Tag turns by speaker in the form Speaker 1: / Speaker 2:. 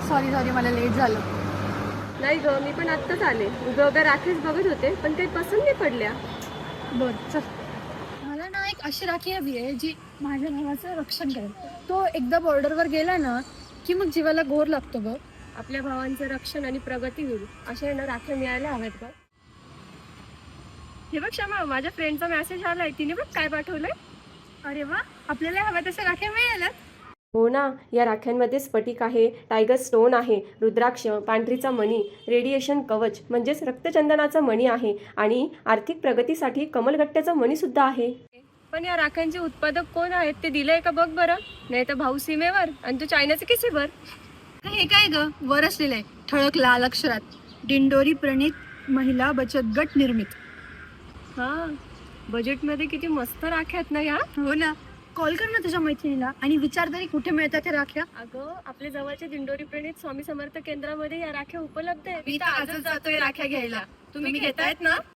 Speaker 1: Sorry sorry, मला late झालं.
Speaker 2: नाही ग, मी पण आत्ताच आले. उभ्या उभ्या राखीच बघत होते, पण काही पसंत नाही पडल्या.
Speaker 1: बरं चल. मला ना एक अशी राखी हवी आहे जी माझ्या भावाचं रक्षण करेल. तो एकदा बॉर्डरवर गेला ना की मग जीवाला घोर लागतो बघ.
Speaker 2: आपल्या भावांचं रक्षण आणि प्रगती होईल अशा ना राख्या मिळायला हव्यात ग. हे बघ क्षमा, माझ्या फ्रेंडचा मेसेज आलाय, तिने बघ काय पाठवलंय.
Speaker 1: अरे वा, आपल्याला हव्या तशा राख्या मिळाल्या.
Speaker 2: हो ना, या राख्यांमध्ये स्फटिक आहे, टायगर स्टोन आहे, रुद्राक्ष, पांढरीचा मणी, रेडिएशन कवच म्हणजेच रक्तचंदनाचा मणी आहे आणि आर्थिक प्रगतीसाठी कमलगट्ट्याचा मणी सुद्धा आहे. पण या राख्यांचे उत्पादक कोण आहेत ते दिलंय का बघ बरं. नाही तर भाऊ सीमेवर आणि तू चायनाचे किसीवर.
Speaker 1: हे काय ग, वर असलेलं आहे ठळक लाल अक्षरात, दिंडोरी प्रणित महिला बचत गट निर्मित.
Speaker 2: हा, बजेटमध्ये किती मस्त राख्या आहेत ना या.
Speaker 1: हो ना, कॉल कर ना तुझ्या मैत्रिणीला आणि विचार तरी कुठे मिळतात त्या राख्या.
Speaker 2: अगं, आपल्या जवळच्या दिंडोरी प्रणित स्वामी समर्थ केंद्रामध्ये या राख्या उपलब्ध आहेत.
Speaker 1: मी तर आजच जातोय राख्या घ्यायला. तुम्ही घेतायत ना?